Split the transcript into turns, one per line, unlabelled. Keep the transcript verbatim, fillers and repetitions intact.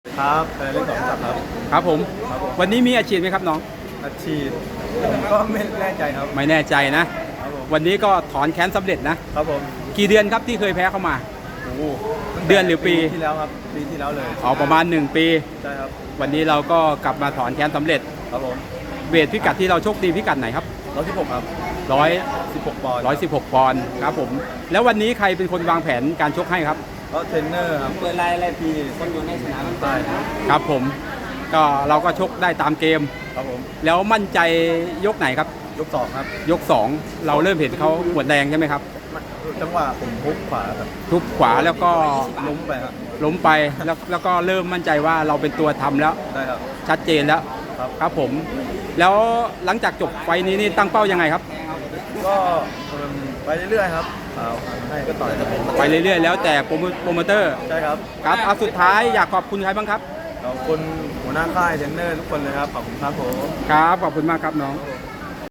ครับแต่เรื่องของจับครับ
ครับผมวันนี้มีอาชีพไหมครับน้อง
อาชีพผมก็ไม่แน่ใจครับ
ไม่แน่ใจนะครับ
ผม
วันนี้ก็ถอนแค้นสำเร็จนะครับ
ผม
กี่เดือนครับที่เคยแพ้เข้ามา
โอ้โห
เดือนหรือปี
ที่แล้วครับปีที่แล้วเลย
เอาประมาณหนึ่งปี
ใช่ครับ
วันนี้เราก็กลับมาถอนแค้นสำเร็จ
ครับผม
เวทพิกัดที่เราโชคดีพิกัดไหนครับ
ร้อยที่หกครับ
ร้อย
สิบหกปอนด์
ร้อยสิบหกปอนด์ครับผมแล้ววันนี้ใครเป็นคนวางแผนการชกให้ครับ
ก็เทรนเนอร์ครับเปิดไลน์อะไรพี่คนอยู่ในสนามมันตายครับ
ครับผมก็เราก็ชกได้ตามเกม
ครับผม
แล้วมั่นใจยกไหนครับ
ยกสองครับ
ยกสองเราเริ่มเห็นเขาหมดแรงใช่ไหมครับ
จังหวะผมพุกขวาครับ
ทุบขวาแล้วก็
ล้มไปครับ
ล้มไปแล้วแล้วก็เริ่มมั่นใจว่าเราเป็นตัวทำแล้ว
ได้ครับ
ชัดเจนแล้ว
ครับ
ครับผมแล้วหลังจากจบไฟนี้นี่ตั้งเป้ายังไงครับ
ก็ไปเรื่อยๆครับเอาให้ก็ต่อยแต่ผม
ไปเรื่อยๆแล้วแต่โปรโมเตอร์
ใช่ครับ
ครับเอาสุดท้ายอยากขอบคุณใครบ้างครับ
ขอบคุณหัวหน้าค่ายเทรนเนอร์ทุกคนเลยครับขอบคุณครับผม
ครับขอบคุณมากครับน้อง